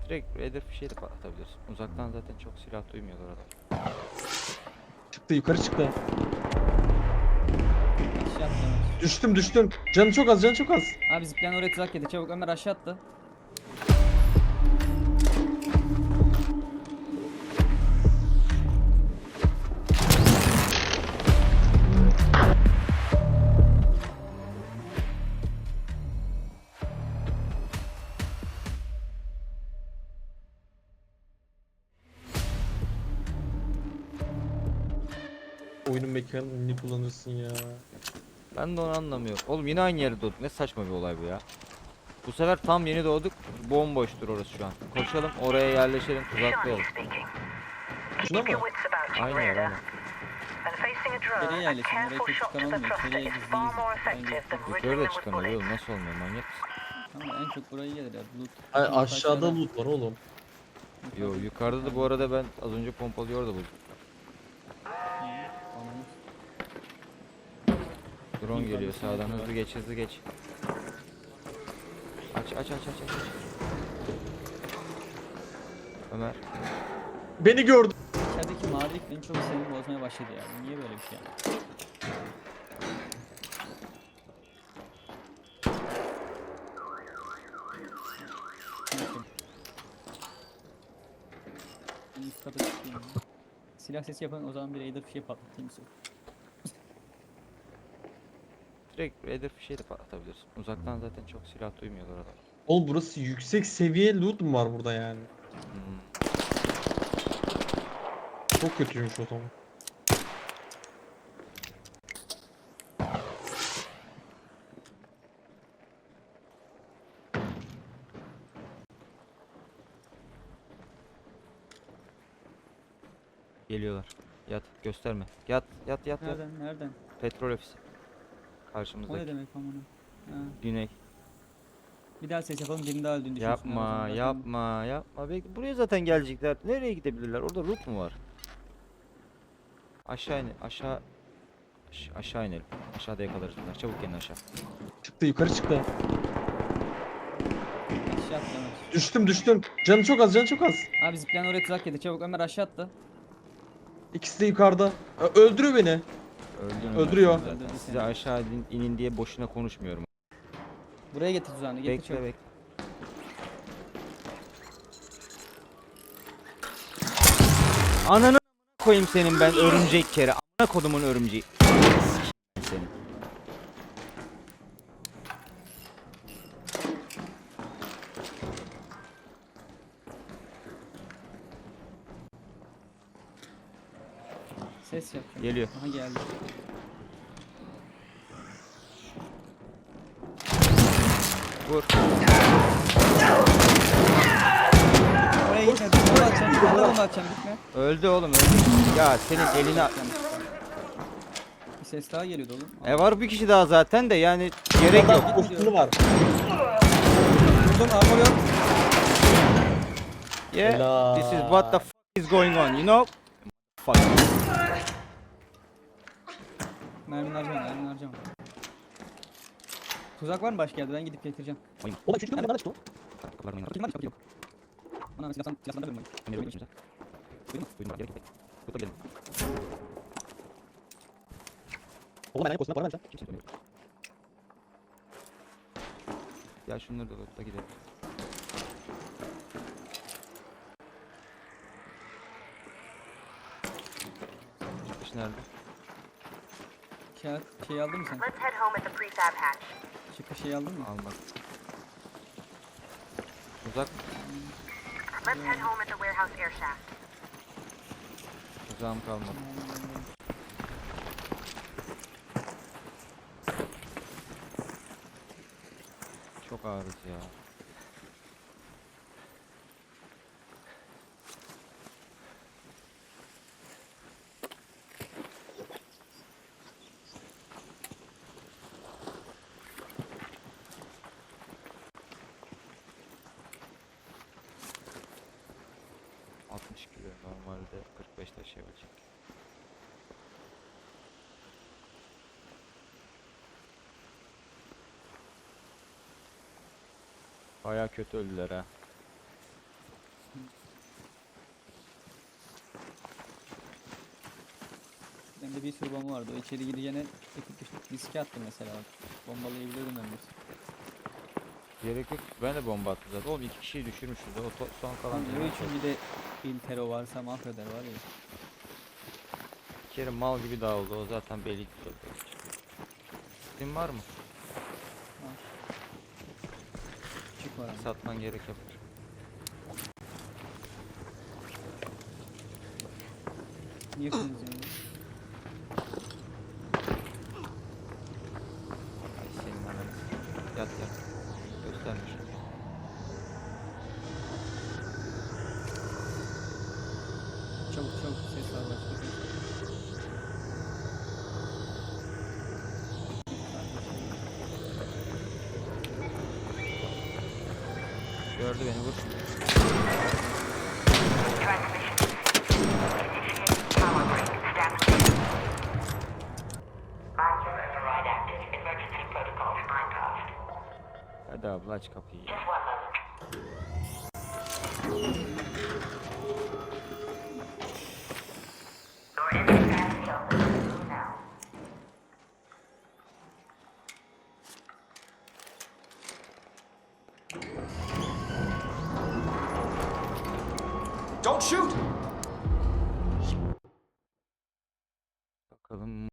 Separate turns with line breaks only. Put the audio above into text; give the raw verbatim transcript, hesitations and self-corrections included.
Direkt hedef bir şey de patlatabilirsin. Uzaktan zaten çok silah duymuyorlar adam.
Çıktı, yukarı çıktı.
Aşağı attı Ömer.
Düştüm düştüm. Canı çok az, canı çok az.
Abi zıplayan oraya tuzak yedi. Çabuk Ömer aşağı attı.
Oyunun mekanını kullanırsın ya.
Ben de onu anlamıyorum. Oğlum yine aynı yere doğduk. Ne saçma bir olay bu ya. Bu sefer tam yeni doğduk. Bomboştur orası şu an. Koşalım oraya yerleşelim, tuzaklayalım.
Şuna mı?
Aynı yer aynen.
Nereye yerleşelim? Oraya çok çıkan olmuyor. Nereye gizliyiz? Bence.
Yukarı da çıkamıyor oğlum, nasıl olmuyor, manyak mısın?
Ama en çok burayı gelir ya. Loot.
Ay,
Loot
aşağıda loot var oğlum.
Yo yukarıda da bu arada ben az önce pompalıyı orada buldum.
Ananı
Drone
Yukarıda
geliyor
sniper
sağdan,
var.
hızlı geç hızlı geç. Aç aç aç aç aç. aç. Ömer.
Beni gördü.
İçerideki mavilik beni çok sinirimi bozmaya başladı ya. Bu niye böyle bir şey ya? Ben üst kata çıkayım ya. Silah sesi yapan o zaman bir raider bir şey patlatayım istiyorum.
Direkt hedef bir şey de patlatabilirsin. Uzaktan zaten çok silah duymuyorlar adam.
Oğlum burası yüksek seviye loot mu var burada yani?
Hmm.
Çok kötüymüş o zaman.
Geliyorlar. Yat, gösterme. Yat, yat, yat, yat.
Nereden? Nereden?
Petrol ofisi.
O
Karşımızdaki.
ne demek amına? Ha.
Güney.
Bir daha ses yapalım. Birini daha öldüğünü düşünsünler. o
Yapma,
zaman. Zaten
yapma, yapma. Belki buraya zaten gelecekler. Nereye gidebilirler? Orada loot mu var? Aşağı in, aşağı Aş- aşağı inelim. Aşağıda yakalarız bunlar. Çabuk gelin aşağı.
Çıktı, yukarı çıktı.
Aşağı attı Ömer.
Düştüm düştüm. Canı çok az, canı çok az.
Abi zıplayan oraya tuzak yedi. Çabuk Ömer aşağı attı.
İkisi de yukarıda. Ö- Öldürüyor beni.
Öldün
Öldürüyor.
Ömer, zaten.
Öldürdü
Size
seni.
aşağı inin, inin diye boşuna konuşmuyorum.
Buraya getir tuzağını. Getir
Bekle
çabuk.
bekle. Ananı koyayım senin ben örümcek kere. Amına kodumun örümceği. Sikeyim seni.
Ses yapacağım.
Geliyor.
Aha geldi.
Vur.
Oraya gitme. Bomba atacağım. Bomba bomba atacağım. Gitme.
Öldü oğlum öldü. Ya senin eline...
Bir ses daha geliyordu oğlum.
E var bir kişi daha zaten de yani gerek yok.
Adam kostümü var.
Vurdum armor yok.
Yeah.
Helal.
This is what the fuck is going on, you know? Fuck.
Mermini harcama. Mermini harcama. Tuzak var mı başka yerde? Ben gidip getireceğim.
Oğlum üçüncü nereden çıktı o?
Bakayım var mı? Bakayım. Ana silahsan silahsan da bölüm oyun. Duydun mu?
Oğlum ben kostümü var mı?
Ya şunları da lootla gidelim. Çıkış nerede?
Kağıt şey aldın mı sen?
Let's head home at the prefab hatch.
Çıkış şey aldın mı?
Almak. Uzak.
Let's head home at the warehouse air shaft.
Uzağım kalmadı. Çok ağırız ya. altmış kilo normalde kırk beş taşıyabilecek. Baya kötü öldüler ha.
Benim de bir sürü bomba vardı. O içeri gireceğine ekip düştü. Riske attım mesela. Bombalayabiliyordum ben bir.
Gerek yok. Ben de bomba attım zaten. Oğlum iki kişiyi düşürmüşüz de o to- son kalan.
Lan
canı
o
çok.
için bir de Intero varsa mahveder var ya.
Bir kere mal gibi dağıldı. O zaten belli çok. Senin var mı?
Çık var ama.
Satman gerek yok.
Yakınız yani.
Ay senin ananı. Yat yat. Göstermiş.
Çabuk çabuk ses var başka ses.
Gördü beni vur.
Transmission. Initiate power break. Establishing. Module override active. Emergency protocols bypassed.
Hadi abla aç kapıyı.
Just one moment. Your entry path is open. Now.
Don't shoot!